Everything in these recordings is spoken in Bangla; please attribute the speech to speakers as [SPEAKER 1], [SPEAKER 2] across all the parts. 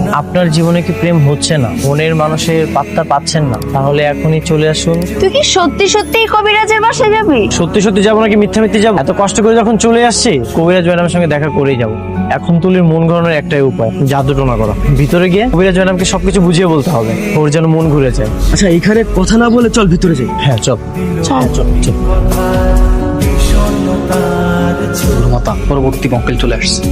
[SPEAKER 1] আপনার জীবনে কি প্রেম হচ্ছে না, মনের মানুষের পাত্তা পাচ্ছেন না, তাহলে এখনই চলে আসুন।
[SPEAKER 2] তুই কি সত্যি সত্যি কবিরাজের বাসায় যাবি?
[SPEAKER 1] সত্যি সত্যি যাবো নাকি মিথ্যা মিথ্যে যাবো? এত কষ্ট করে যখন চলে আসছি, কবিরাজ ম্যাডামের সঙ্গে দেখা করেই যাবো। এখন তুলির মন ঘোরানোর একটাই উপায়, জাদু টোনা করা। ভিতরে গিয়ে কবিরাজ ম্যাডামকে সবকিছু বুঝিয়ে বলতে হবে, ওর যেন মন ঘুরে যায়।
[SPEAKER 3] আচ্ছা এখানে কথা না বলে চল ভিতরে যাই।
[SPEAKER 1] হ্যাঁ চল চল চল চল।
[SPEAKER 4] মাতা পরবর্তী মক্কেল চলে আসছে।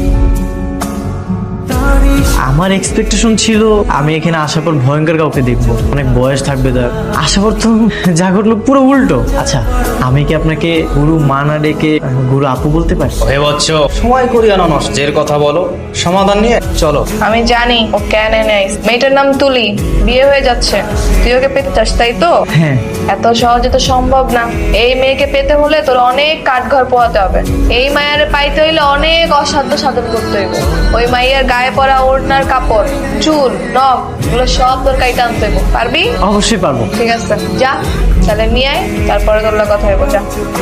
[SPEAKER 1] আমার এক্সপেকটেশন ছিল আমি এখানে আসার পর ভয়ঙ্কর কাউকে দেখবো, অনেক বয়স থাকবে তার। আসার পর তো যা ঘটলো পুরো উল্টো। আচ্ছা আমি কি আপনাকে গুরু মা না ডেকে গুরু আপু বলতে পারি?
[SPEAKER 4] হে বচ্চ, সময় করিয়া না নষ্টের কথা বলো, সমাধান নিয়ে চলো।
[SPEAKER 5] আমি জানি ও কেন নেই। মেয়েটার নাম তুলি, বিয়ে হয়ে যাচ্ছে। তুই ওকে পেতে চাস তাই তো?
[SPEAKER 1] হ্যাঁ।
[SPEAKER 5] এত সহজে তো সম্ভব না। এই মেয়েকে পেতে হলে তোর অনেক কাঠঘর পোহাতে হবে। এই মায়ের পাইতে হইলে অনেক অসাধ্য সাধন করতে হইব। ওই মাইয়ার গায়ে পরা ওড়নার কাপড়, চুল, নখ এগুলো সব তোর কাইতে আনতে হইব। পারবি?
[SPEAKER 1] অবশ্যই পারবো।
[SPEAKER 5] ঠিক আছে, যা তাহলে নিয়ে আয়, তারপরে তোর কথা হইব। যা।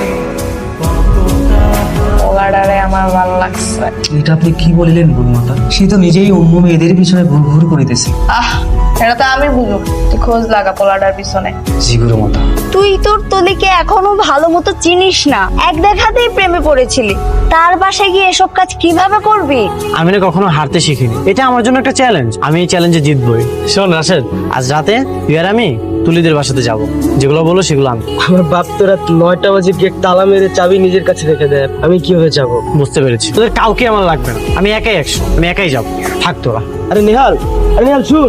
[SPEAKER 5] ওলাডারে আমার ভালো লাগছে।
[SPEAKER 3] এটা আপনি কি বলিলেন গুরুমাতা? সে তো নিজেই অন্য মেয়েদের পিছনে ঘুর করিতেছে।
[SPEAKER 5] এটা তো আমি বুঝুক, তুই খোঁজ লাগা পোলাডার পিছনে।
[SPEAKER 4] জি গুরুমাতা।
[SPEAKER 2] তুই তোর তলিকে এখনো ভালো মতো চিনিস না, এক দেখাতেই প্রেমে পড়েছিলি। তার বাসায় গিয়ে এসব কাজ কিভাবে করবি?
[SPEAKER 1] আমি না কখনো হারতে শিখিনি, এটা আমার জন্য একটা চ্যালেঞ্জ। আমি এই চ্যালেঞ্জে জিতবই। শোন রাশেদ, আজ রাতে তুই আর আমি তুলিদের বাসাতে যাব, যেগুলো বলো সেগুলো আমি।
[SPEAKER 3] আমার বাপ তো রাত 9টা বাজে গেট তালা মেরে চাবি নিজের কাছে রেখে দেয়, আমি কিভাবে যাব?
[SPEAKER 1] বুঝতে পেরেছি, তোদের কাউকে আমার লাগবে না, আমি একাই 100, আমি একাই যাবো। থাক তোরা।
[SPEAKER 3] আরে নিহাল, আরে নিহাল শুন।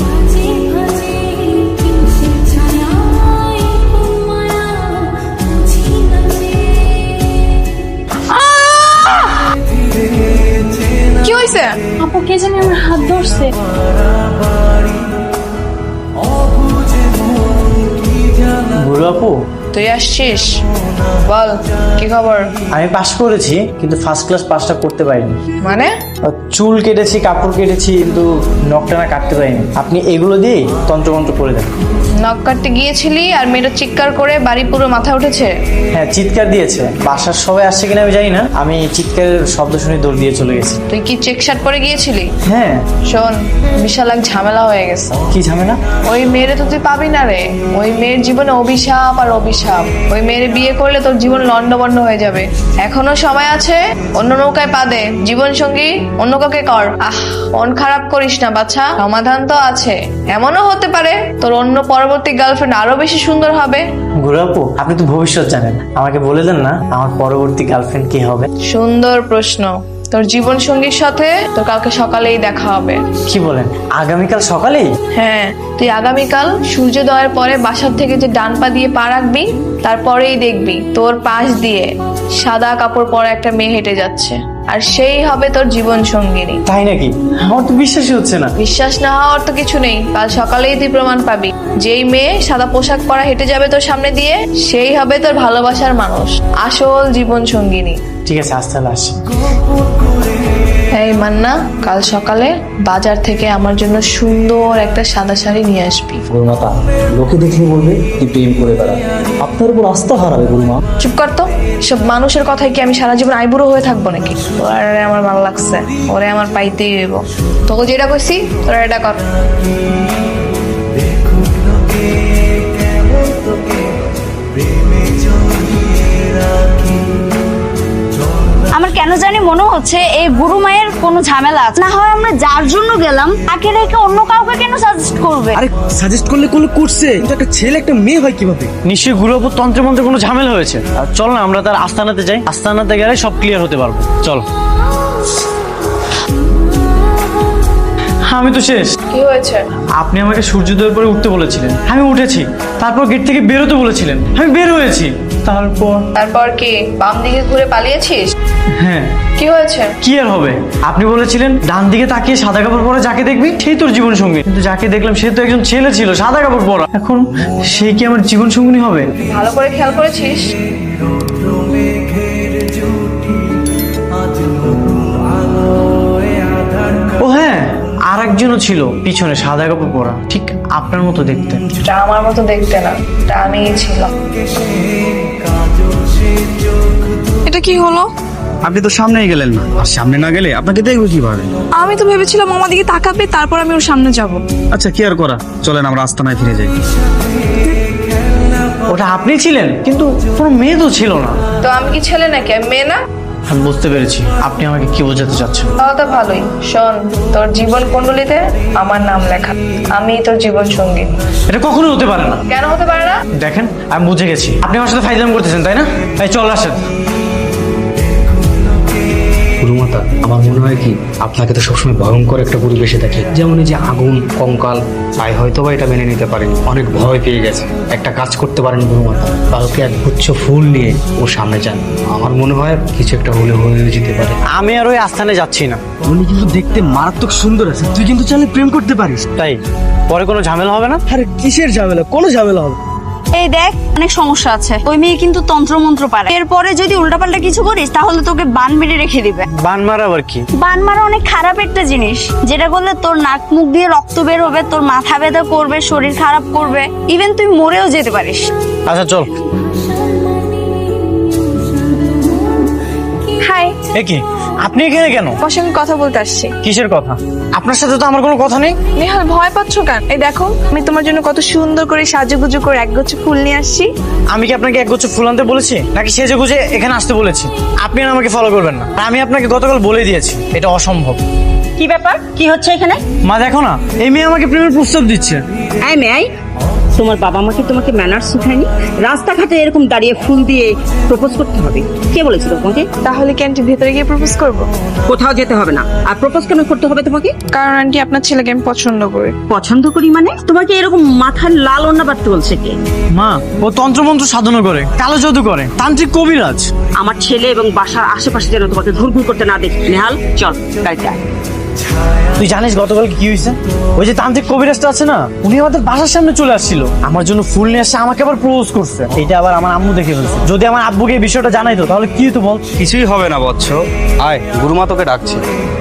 [SPEAKER 5] কি হয়েছে?
[SPEAKER 2] আপু কে জানি আমার হাত ধরছে।
[SPEAKER 1] গুরু আপু,
[SPEAKER 5] তুই আসছিস? বল কি খবর?
[SPEAKER 1] আমি পাশ করেছি কিন্তু ফার্স্ট ক্লাস পাসটা করতে পারিনি।
[SPEAKER 5] মানে?
[SPEAKER 1] চুল কেটেছি, কাপড় কেটেছি, কিন্তু নখটানা কাটতে পারিনি। আপনি এগুলো দিয়ে তন্ত্রমন্ত্র করে দেন।
[SPEAKER 5] নখ কাটতে গিয়েছিলি আর মেয়েটা চিৎকার করে বাড়ি পুরো মাথা উঠেছে?
[SPEAKER 1] হ্যাঁ চিৎকার দিয়েছে, বাসার সবাই আসছে কিনা আমি জানি না, আমি চিৎকারের শব্দ শুনে দৌড় দিয়ে চলে গেছি।
[SPEAKER 5] তুই কি চেক শার্ট পরে গিয়েছিলি?
[SPEAKER 1] হ্যাঁ।
[SPEAKER 5] শোন, বিশাল এক ঝামেলা হয়ে গেছে।
[SPEAKER 1] কি ঝামেলা?
[SPEAKER 5] ওই মেয়েরে তো তুই পাবি না রে। ওই মেয়ের জীবনে অভিশাপ আর অভিশাপ। ওই মেয়েরে বিয়ে করলে তোর জীবন লন্ডভন্ড হয়ে যাবে। এখনো সময় আছে, অন্য নৌকায় পা দে। জীবন সঙ্গী অন্য কাউকে কর। মন খারাপ করিস না বাছা, সমাধান তো আছে। এমনও হতে পারে তোর অন্য পরবর্তী গার্লফ্রেন্ড আরো বেশি সুন্দর হবে।
[SPEAKER 1] গুরু আপু, আপনি তো ভবিষ্যৎ জানেন, আমাকে বলে দেন না আমার পরবর্তী গার্লফ্রেন্ড কি হবে?
[SPEAKER 5] সুন্দর প্রশ্ন। তোর জীবন সঙ্গীর সাথে তোর কালকে সকালেই দেখা হবে।
[SPEAKER 1] কি বলেন, আগামীকাল সকালেই?
[SPEAKER 5] হ্যাঁ, তুই আগামীকাল সূর্যোদয়ের পরে বাসার থেকে যে ডান পা দিয়ে পা রাখবি, তারপরেই দেখবি তোর পাশ দিয়ে সাদা কাপড় পরা একটা মেয়ে হেঁটে যাচ্ছে, আর সেই হবে তোর জীবন সঙ্গিনী।
[SPEAKER 1] তাই নাকি? আমার তো বিশ্বাসই হচ্ছে না।
[SPEAKER 5] বিশ্বাস না হওয়ার তো কিছু নেই, কাল সকালেই তুই প্রমাণ পাবি। যেই মেয়ে সাদা পোশাক পরা হেঁটে যাবে তোর সামনে দিয়ে, সেই হবে তোর ভালোবাসার মানুষ, আসল জীবন সঙ্গিনী।
[SPEAKER 1] ঠিক আছে, আজ তাহলে আসি।
[SPEAKER 5] এই মান্না, কাল সকালে বাজার থেকে আমার জন্য সুন্দর একটা সাদা শাড়ি নিয়ে আসবি।
[SPEAKER 6] গুরুমাতা, লোকে দেখলে বলবে কি প্রেম করে বেড়া, আপনার উপর আস্থা হারাবে গুরুমা।
[SPEAKER 5] চুপ কর তো, সব মানুষের কথায় কি আমি সারা জীবন আইবুড়ো হয়ে থাকবো নাকি? ওরে আমার ভালো লাগছে, ওরে আমার পাইতেই হইব। তোকে যেটা কইছি তোরা এটা কর।
[SPEAKER 2] আমার কেন জানি মনে হচ্ছে এই গুরু মায়ের কোনো ঝামেলা আছে। না হয় আমরা যার জন্য গেলাম তাকে রেখে অন্য কাউকে কেন সাজেস্ট করবে?
[SPEAKER 3] আরে সাজেস্ট করলে কোনো করছে, কিন্তু একটা ছেলে একটা মেয়ে হয় কিভাবে?
[SPEAKER 1] নিশ্চয়ই গুরু আপু তন্ত্রে মন্ত্রে কোনো ঝামেলা হয়েছে। আর চল না আমরা তার আস্তানাতে যাই, আস্তানাতে গেলে সব ক্লিয়ার হতে পারবো। চল। আমি তো শেষ।
[SPEAKER 5] কি হয়েছে?
[SPEAKER 1] আপনি আমাকে সূর্যোদয়ের পরে উঠতে বলেছিলেন, আমি উঠেছি। তারপর গেট থেকে বেরোতে বলেছিলেন, আমি বের হয়েছি।
[SPEAKER 5] তারপর কি বাম দিকে ঘুরে পালিয়েছিস?
[SPEAKER 1] হ্যাঁ।
[SPEAKER 5] কি হয়েছে?
[SPEAKER 1] কি আর হবে, আপনি বলেছিলেন ডান দিকে তাকিয়ে সাদা কাপড় পরা যাকে দেখবি সেই তোর জীবন সঙ্গী, কিন্তু যাকে দেখলাম সে তো একজন ছেলে ছিল সাদা কাপড় পরা। এখন সেই কি আমার জীবন সঙ্গী হবে?
[SPEAKER 5] ভালো করে খেয়াল করেছিস?
[SPEAKER 1] ও হ্যাঁ, আর একজনও ছিল পিছনে সাদা কাপড় পরা, ঠিক আপনার মতো দেখতে।
[SPEAKER 5] এটা আমার মতো দেখতে না, এটা আমিই ছিলাম। এটা কি হলো?
[SPEAKER 7] আপনি তো সামনেই গেলেন না, আর সামনে না গেলে আপনাকে দেখবো কিভাবে?
[SPEAKER 5] আমি তো ভেবেছিলাম আমার দিকে তাকাবে, তারপর আমি ওর সামনে যাব।
[SPEAKER 7] আচ্ছা কি আর করা, চলেন আমরা আস্তানায় ফিরে যাই।
[SPEAKER 1] ওটা আপনি ছিলেন, কিন্তু কোনো মেয়ে তো ছিল না।
[SPEAKER 5] তো আমি কি ছেলে নাকি, আমি মেয়ে না?
[SPEAKER 1] আমি বুঝতে পেরেছি আপনি আমাকে কি বোঝাতে চাচ্ছেন।
[SPEAKER 5] তাও তো ভালোই। শোন, তোর জীবন কুণ্ডলিতে আমার নাম লেখা, আমি তোর জীবন সঙ্গী।
[SPEAKER 1] এটা কখনোই হতে পারে না।
[SPEAKER 5] কেন হতে পারে না?
[SPEAKER 1] দেখেন আমি বুঝে গেছি, আপনি আমার সাথে ফাইজলাম করতেছেন, তাই না? এই চল আসেন।
[SPEAKER 6] গুরুমাতা, আমার মনে হয় কি আপনাকে তো সবসময় ভয়ঙ্কর একটা পরিবেশে দেখে, যেমন এই যে আগুন, কঙ্কাল, তাই হয়তো বা এটা মেনে নিতে পারেন, অনেক ভয় পেয়ে গেছে। একটা কাজ করতে পারেন গুরুমাতা, কালকে এক গুচ্ছ ফুল নিয়ে ওর সামনে যান। আমার মনে হয় কিছু একটা হলে হয়ে যেতে পারে।
[SPEAKER 1] আমি আর ওই আস্থানে যাচ্ছি না।
[SPEAKER 3] উনি কিন্তু দেখতে মারাত্মক সুন্দর আছে, তুই কিন্তু চাইলে প্রেম করতে পারিস।
[SPEAKER 1] তাই পরে কোনো ঝামেলা হবে না?
[SPEAKER 3] আরে কিসের ঝামেলা, কোনো ঝামেলা হবে না।
[SPEAKER 2] এই দেখ, অনেক সমস্যা আছে। ওই মেয়ে কিন্তু তন্ত্রমন্ত্র পারে। এরপরে যদি উল্টাপাল্টা কিছু করিস তাহলে তোকে বান মেরে রেখে দিবে।
[SPEAKER 1] বান মারা আবার কি?
[SPEAKER 2] বান মারা অনেক খারাপ একটা জিনিস, যেটা করলে তোর নাক মুখ দিয়ে রক্ত বের হবে, তোর মাথা ব্যথা করবে, শরীর খারাপ করবে, ইভেন তুই মরেও যেতে পারিস।
[SPEAKER 1] আচ্ছা চল।
[SPEAKER 5] হাই,
[SPEAKER 1] এ কি, আপনি এখানে কেন?
[SPEAKER 5] ওর সঙ্গে কথা বলতে আসছি।
[SPEAKER 1] কিসের কথা? আপনার সাথে তো আমার কোনো কথা নেই।
[SPEAKER 5] নেহাল, ভয় পাচ্ছ কেন? এই দেখো, আমি তোমার জন্য কত সুন্দর করে সাজুগুজু করে একগুচ্ছ ফুল নিয়ে আসছি।
[SPEAKER 1] আমি কি আপনাকে একগুচ্ছ ফুল আনতে বলেছি, নাকি সেজে গুজে এখানে আসতে বলেছি? আপনি আর আমাকে ফলো করবেন না। আর আমি আপনাকে গতকাল বলে দিয়েছি এটা অসম্ভব।
[SPEAKER 8] কি ব্যাপার, কি হচ্ছে এখানে?
[SPEAKER 1] মা দেখো না, এই মেয়ে আমাকে প্রেমের প্রস্তাব দিচ্ছে।
[SPEAKER 8] এই মেয়ে, তোমার বাবা মাকে তোমাকে ম্যানার্স শেখায়নি? রাস্তাঘাটে এরকম দাঁড়িয়ে ফুল দিয়ে প্রপোজ করতে হবে? কে বলেছিল তোমাকে?
[SPEAKER 5] তাহলে কি আন্টি ভেতরে গিয়ে প্রপোজ করবো?
[SPEAKER 8] কোথাও যেতে হবে না। আর প্রপোজ কেন করতে হবে তোমাকে?
[SPEAKER 5] কারণ আন্টি আপনার ছেলেকে আমি পছন্দ করি।
[SPEAKER 8] পছন্দ করি মানে? তোমাকে এরকম মাথার লাল ওড়না বাঁধতে বলছে কে?
[SPEAKER 1] মা, ও তন্ত্রমন্ত্র সাধনা করে, কালো জাদু করে, তান্ত্রিক কবিরাজ।
[SPEAKER 8] আমার ছেলে এবং বাসার আশেপাশে যেন তোমাকে ঘুরঘুর করতে না দেখি। নেহাল, চল গাড়িতে আয়।
[SPEAKER 1] তুই জানিস গতকাল কি হয়েছে? ওই যে তান্ত্রিক কবিরাজটা আছে না, উনি আমাদের বাসার সামনে চলে আসছিল, আমার জন্য ফুল নিয়ে আসছে, আমাকে আবার প্রপোজ করছে। এটা আবার আমার আম্মু দেখে ফেলছে। যদি আমার আব্বুকে এই বিষয়টা জানাইতো তাহলে কি হতো বল?
[SPEAKER 7] কিছুই হবে না বৎস, আয় গুরুমা তোকে ডাকছে।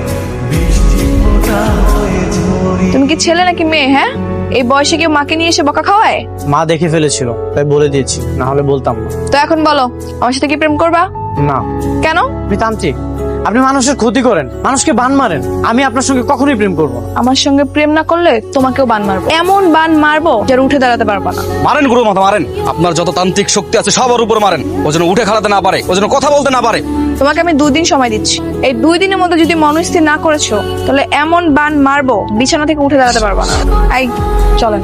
[SPEAKER 5] তুমি কি ছেলে নাকি মেয়ে? হ্যাঁ, এই বয়সে কেউ মাকে নিয়ে এসে বকা খাওয়ায়?
[SPEAKER 1] মা দেখে ফেলেছিল তাই বলে দিয়েছি, না হলে বলতাম না।
[SPEAKER 5] তো এখন বলো, আমার সাথে কি প্রেম করবা?
[SPEAKER 1] না।
[SPEAKER 5] কেন?
[SPEAKER 1] আপনি তান্ত্রিক, আপনি মানুষের ক্ষতি করেন, মানুষকে বান মারেন। আমি আপনার সঙ্গে কখনোই প্রেম করব না।
[SPEAKER 5] আমার সঙ্গে প্রেম না করলে তোমাকেও বান মারবো, এমন বান মারবো যার উঠে দাঁড়াতে পারবা না।
[SPEAKER 7] মারেন গুরুমাতা মারেন, আপনার যত তান্ত্রিক শক্তি আছে সবার উপর মারেন, ও যেন উঠে খাড়াতে না পারে, ও যেন কথা বলতে না পারে।
[SPEAKER 5] তোমাকে আমি 2 দিন সময় দিচ্ছি, এই 2 দিনের মধ্যে যদি মনস্থির না করেছো তাহলে এমন বান মারবো বিছানা থেকে উঠে দাঁড়াতে পারবা না। এই চলেন।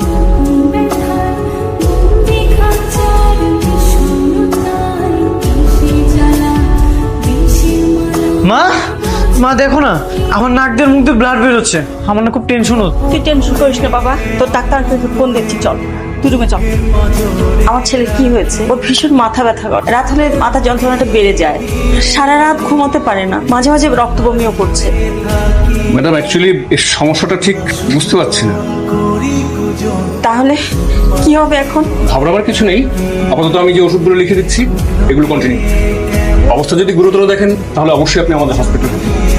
[SPEAKER 1] মা, মা দেখো না, আমার নাক দিয়ে মুখ দিয়ে ব্লাড বেরোচ্ছে। আমার না খুব টেনশন হচ্ছে।
[SPEAKER 8] তুই টেনশন করিস না বাবা, তোর ডাক্তারকে ফোন দিচ্ছি, চল তুই রুমে চল। আমার ছেলের কি হয়েছে? ওর ভীষণ মাথা ব্যথা করে, রাত হলে মাথা যন্ত্রণাটা বেড়ে যায়, সারা রাত ঘুমোতে পারে না, মাঝে মাঝে রক্ত বমিও করছে।
[SPEAKER 9] ম্যাডাম অ্যাকচুয়ালি এই সমস্যাটা ঠিক বুঝতে পারছি না।
[SPEAKER 8] তাহলে কি হবে এখন?
[SPEAKER 9] ঘাবড়াবার কিছু নেই, আপাতত আমি যে ওষুধগুলো লিখে দিচ্ছি এগুলো কন্টিনিউ। অবস্থা যদি গুরুতর দেখেন তাহলে অবশ্যই আপনি আমাদের হসপিটালে।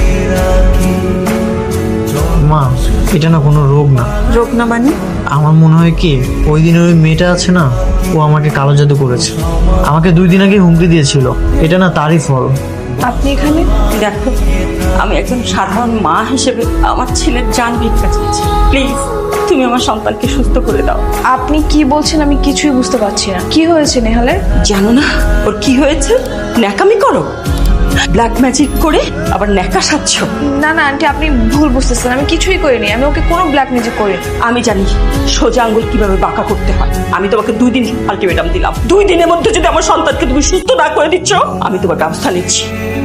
[SPEAKER 1] মা, এটা না কোনো রোগ না।
[SPEAKER 8] রোগ না মানে?
[SPEAKER 1] আমার মনে হয় কি, ওই দিনের ওই মেয়েটা আছে না, ও আমাকে কালো জাদু করেছে। আমাকে 2 দিন আগে হুমকি দিয়েছিল, এটা না তারই ফল।
[SPEAKER 5] আপনি এখানে?
[SPEAKER 8] দেখো, আমি একজন সাধারণ মা হিসেবে আমার ছেলের জান ভিক্ষা চাচ্ছি। প্লিজ তুমি আমার সন্তানকে সুস্থ করে দাও।
[SPEAKER 5] আপনি কি বলছেন আমি কিছুই বুঝতে পারছি না। কি হয়েছে নেহালের?
[SPEAKER 8] জানো না ওর কি হয়েছে? ন্যাকামি করো, ব্ল্যাক ম্যাজিক করে আবার ন্যাকা সাজছ।
[SPEAKER 5] না না আন্টি, আপনি ভুল বুঝতেছেন, আমি কিছুই করিনি, আমি ওকে কোনো ব্ল্যাক ম্যাজিক করি।
[SPEAKER 8] আমি জানি সোজা আঙ্গুল কিভাবে বাঁকা করতে হয়। আমি তোমাকে 2 দিন আলটিমেটাম দিলাম, 2 দিনের মধ্যে যদি আমার সন্তানকে তুমি সুস্থ না করে দিচ্ছ আমি তোমার ব্যবস্থা নিচ্ছি।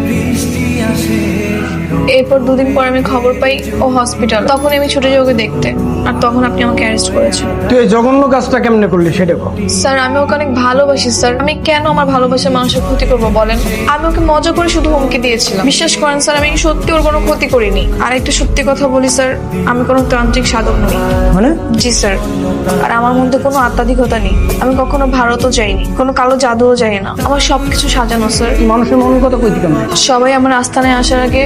[SPEAKER 5] এরপর 2 দিন পর আমি খবর পাই ও হসপিটাল। তখন আমি ছুটে যাই ওকে দেখতে, আর তখন আপনি আমাকে অ্যারেস্ট করেছেন।
[SPEAKER 3] তুই এই জঘন্য কাজটা কেমনে করলি সেটা কর।
[SPEAKER 5] স্যার, আমি ওকে অনেক ভালোবাসি স্যার। আমি কেন আমার ভালোবাসার মানুষের ক্ষতি করবো বলেন? আমি ওকে মজা করে শুধু হুমকি দিয়েছিলাম। বিশ্বাস করেন স্যার, আমি সত্যি ওর কোনো ক্ষতি করিনি। আর একটা সত্যি কথা বলি স্যার, আমি কোনো তান্ত্রিক সাধক নই।
[SPEAKER 3] মানে?
[SPEAKER 5] জি স্যার। আর আমার মধ্যে কোনো আত্মাধিকতা নেই। আমি কখনো ভারতও যাইনি, কোনো কালো জাদুও যাই না। আমার সবকিছু সাজানো স্যার।
[SPEAKER 3] মানুষের মনের কথা কইতে কেমন?
[SPEAKER 5] সবাই আমার আস্থানায় আসার আগে গেটে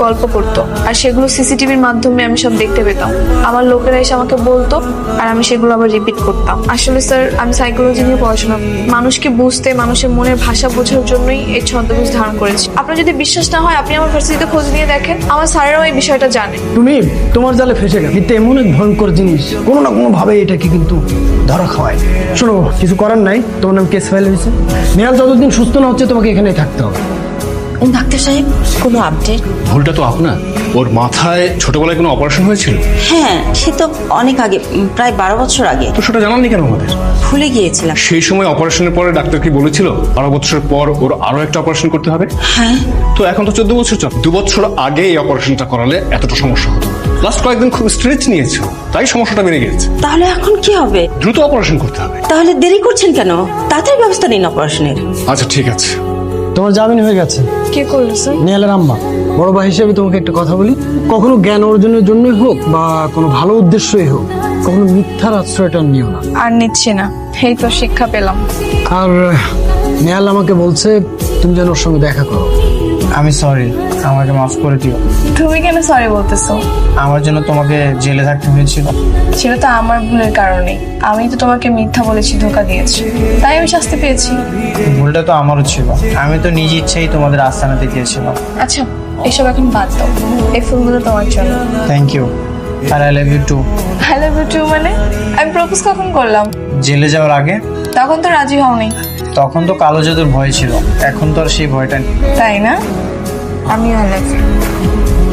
[SPEAKER 5] গল্প করতো আর সেগুলো সিসিটিভির মাধ্যমে আমি সব দেখতে পেতাম। আমার লোকেরা এসে আমাকে বলতো আর আমি সেগুলো আবার রিপিট করতাম। আসলে স্যার আমি সাইকোলজি নিয়ে পড়াশোনা করি। মানুষকে বুঝতে, মানুষের মনের ভাষা বোঝার জন্যই এই ছদ্মবেশ ধারণ করেছি। আপনার যদি বিশ্বাস না হয় আপনি আমার ভার্সিটিতে খোঁজ নিয়ে দেখেন, আমার স্যারেরাও এই বিষয়টা জানে।
[SPEAKER 3] তুমি তোমার জালে ফেসে গেল। এটা এমন এক ভয়ঙ্কর জিনিস, কোনো না কোনো ভাবে এটাকে কিন্তু ধরা খাওয়ায়। শোনো, কিছু করার নাই, তোমার নাম কেস ফাইল হয়েছে। নেহাল যতদিন সুস্থ না হচ্ছে তোমাকে এখানেই থাকতে হবে।
[SPEAKER 8] ডাক্তার সাহেব, কোনো আপডেট?
[SPEAKER 9] ভুলটা তো আপনার। ওর মাথায় ছোটবেলায় কোনো অপারেশন হয়েছিল?
[SPEAKER 8] হ্যাঁ, সে তো অনেক আগে, প্রায় 12 বছর আগে।
[SPEAKER 9] তো সেটা জানাননি কেন আমাদের?
[SPEAKER 8] ভুলে গিয়েছিলাম।
[SPEAKER 9] সেই সময় অপারেশনের পরে ডাক্তার কি বলেছিল 12 বছর পর ওর আরো একটা অপারেশন করতে হবে?
[SPEAKER 8] হ্যাঁ।
[SPEAKER 9] তো এখন তো 14 বছর চল। 2 বছর আগে এই অপারেশনটা করালে এতটা সমস্যা হতো না। লাস্ট কয়েকদিন খুব স্ট্রেচ নিয়েছো, তাই সমস্যাটা বেড়ে গেছে।
[SPEAKER 8] তাহলে এখন কি হবে?
[SPEAKER 9] দ্রুত অপারেশন করতে হবে।
[SPEAKER 8] তাহলে দেরি করছেন কেন? তাড়াতাড়ি ব্যবস্থা নিন অপারেশনের।
[SPEAKER 9] আচ্ছা ঠিক আছে।
[SPEAKER 3] তোমার জামিন হয়ে গেছে।
[SPEAKER 5] কে করলো স্যার?
[SPEAKER 3] নেহালের আম্মা। বড় ভাই হিসেবে তোমাকে একটা কথা বলি, কখনো জ্ঞান অর্জনের জন্যই হোক বা কোনো ভালো উদ্দেশ্যই হোক, কখনো মিথ্যার আশ্রয়টা নিও না।
[SPEAKER 5] আর নিচ্ছি না, এই তো শিক্ষা পেলাম।
[SPEAKER 3] আর নেহাল আমাকে বলছে তুমি যেন ওর সঙ্গে দেখা করো।
[SPEAKER 1] আমি সরি, আমাকে মাফ করে দিও।
[SPEAKER 5] তুমি কেন সরি বলতেছো?
[SPEAKER 1] আমার জন্য তোমাকে জেলে থাকতে হয়েছিল।
[SPEAKER 5] সেটা তো আমার ভুলের কারণে। আমি তো তোমাকে মিথ্যা বলেছি, ধোঁকা দিয়েছি, তাই আমি শাস্তি পেয়েছি।
[SPEAKER 1] ভুলটা তো আমারও ছিল, আমি তো নিজ ইচ্ছেই তোমাদের আস্তানাতে গিয়েছিলাম।
[SPEAKER 5] আচ্ছা, এসব এখন বাদ দাও। এই ফুলগুলো তোমার জন্য।
[SPEAKER 1] থ্যাংক ইউ, আর I love you too.
[SPEAKER 5] I love you too মানে? আমি প্রপোজ কখন করলাম?
[SPEAKER 1] জেলে যাওয়ার আগে।
[SPEAKER 5] তখন তো রাজি হওনি।
[SPEAKER 1] তখন তো কালো জাদুর ভয় ছিল, এখন তো আর সেই ভয়টা নেই।
[SPEAKER 5] তাই না? আমিও আই লাভ ইউ।